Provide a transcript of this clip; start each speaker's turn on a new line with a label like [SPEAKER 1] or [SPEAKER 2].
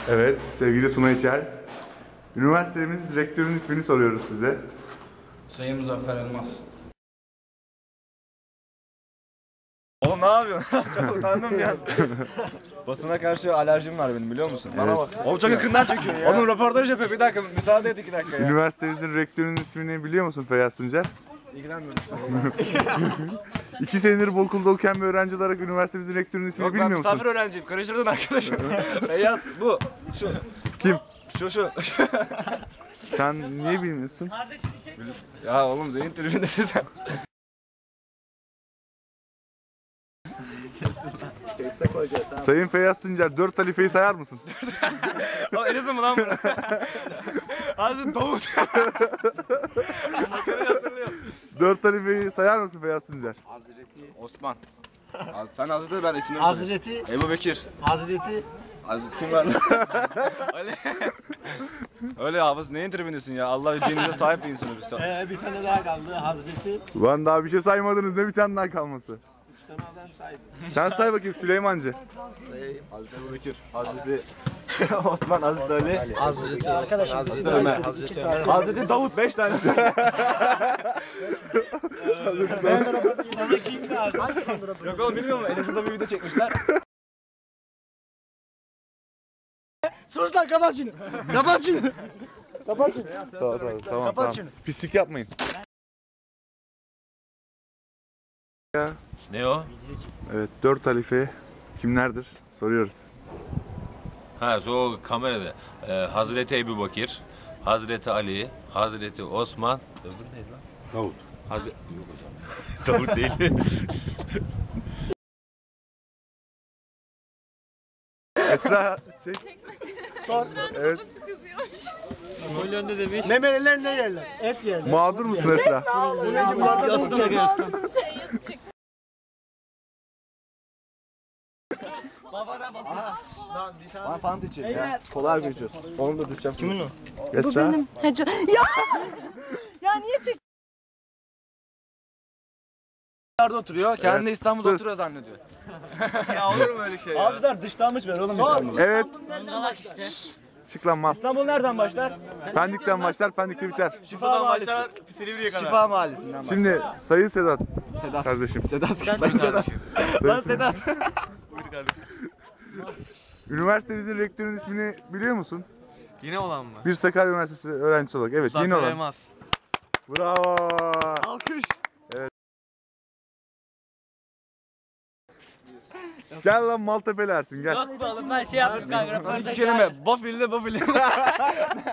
[SPEAKER 1] Evet, sevgili Tuna İçer. Üniversitemiz rektörünün ismini soruyoruz size.
[SPEAKER 2] Sayın Muzaffer Elmas.
[SPEAKER 3] Oğlum ne yapıyorsun? Çok utandım ya. Basına karşı alerjim var benim, biliyor musun? Bana bak. Oğlum çok yakından çekiyor ya. Oğlum röportaj yapıyor, bir dakika müsaade et 2 dakika ya.
[SPEAKER 1] Üniversitemizin rektörünün ismini biliyor musun Feyyaz Tuncer?
[SPEAKER 3] İlgilenmiyorum.
[SPEAKER 1] 2 senedir bu okulda okuyan bir öğrenci olarak üniversitemizin rektörünün ismini
[SPEAKER 3] Yok,
[SPEAKER 1] bilmiyor
[SPEAKER 3] ben
[SPEAKER 1] musun?
[SPEAKER 3] misafir öğrenciyim, karıştırdın arkadaşım. Feyyaz bu. Şu.
[SPEAKER 1] Kim?
[SPEAKER 3] Şu.
[SPEAKER 1] Sen niye bilmiyorsun?
[SPEAKER 3] Ya oğlum Zeyn tribündesin sen.
[SPEAKER 1] Sayın Feyyaz Tuncer, 4 halifeyi sayar mısın?
[SPEAKER 3] Oğlum Elazığ mı lan bu? Hazreti Davut.
[SPEAKER 1] 4 halifeyi sayar mısın Feyyaz Tuncer?
[SPEAKER 2] Hazreti.
[SPEAKER 3] Osman. Sen Hazreti, ben isimleri
[SPEAKER 2] Hazreti.
[SPEAKER 3] Ebu Bekir.
[SPEAKER 2] Hazreti.
[SPEAKER 3] Hazreti kim var lan? Öyle. Öyle hafız, neyin tribündesin ya? Allah dinimize sahip bir insanız biz.
[SPEAKER 4] Bir tane daha kaldı Hazreti.
[SPEAKER 1] Ulan daha bir şey saymadınız, ne bir tane daha kalması?
[SPEAKER 4] 3 tane adam saydı.
[SPEAKER 1] Sen say bakayım Süleymancı.
[SPEAKER 3] Hazreti Ebu Bekir. Hazreti Osman, Hazreti Ali.
[SPEAKER 4] Hazreti arkadaşım.
[SPEAKER 3] Hazreti Ömer. Hazreti Davut 5 tane.
[SPEAKER 4] Sana kim lazım?
[SPEAKER 3] Yok oğlum bilmiyor musun? Elazığ'da bir video çekmişler.
[SPEAKER 4] Sus lan, kapat şunu. Kapat şunu. Kapat şunu.
[SPEAKER 1] Tamam.
[SPEAKER 4] şunu.
[SPEAKER 1] Pislik yapmayın. Ya.
[SPEAKER 5] Ne o?
[SPEAKER 1] Evet, 4 halife kimlerdir? Soruyoruz.
[SPEAKER 5] Ha, o kamerada. Hazreti Ebubekir, Hazreti Ali, Hazreti Osman. Öbürü neydi lan?
[SPEAKER 1] Davut.
[SPEAKER 5] Yok hocam. Davut değil.
[SPEAKER 1] Esra şey.
[SPEAKER 4] Sor.
[SPEAKER 1] Evet.
[SPEAKER 4] Ne meleler ne yerler? Et yerler.
[SPEAKER 1] Mağdur musun Esra?
[SPEAKER 4] Aslında gelsin.
[SPEAKER 3] Bana fant için ya. Kolay geçiyoruz. Onu da düşeceğim. Kimin o?
[SPEAKER 1] Esra.
[SPEAKER 6] Ya! Ya niye çek?
[SPEAKER 3] Nerede oturuyor? Kendi
[SPEAKER 1] Evet.
[SPEAKER 3] İstanbul'da
[SPEAKER 1] Dur.
[SPEAKER 3] oturuyor zannediyor. Ya olur mu öyle şey ya?
[SPEAKER 4] Avcılar dışlanmış ben oğlum İstanbul'u.
[SPEAKER 1] Evet. Çık lan mas.
[SPEAKER 3] İstanbul nereden başlar?
[SPEAKER 1] Pendik'ten başlar, Pendik'te biter.
[SPEAKER 3] Şifa Mahallesi. Şifa Mahallesi'nden başlar.
[SPEAKER 1] Şimdi Sayın Sedat
[SPEAKER 3] Sedat.
[SPEAKER 1] kardeşim.
[SPEAKER 3] Sedat. Lan Sedat.
[SPEAKER 1] Üniversitemizin rektörünün ismini biliyor musun?
[SPEAKER 7] Yine olan mı?
[SPEAKER 1] Bir Sakarya Üniversitesi öğrencisi olarak. Evet, yeni olan.
[SPEAKER 7] Elmas.
[SPEAKER 1] Bravo.
[SPEAKER 3] Alkış.
[SPEAKER 1] Gel lan Maltepe'li Ersin gel.
[SPEAKER 6] Yok be oğlum, ben şey yaptım kanka.
[SPEAKER 3] İki kelime. Bafil'de Bafil'de.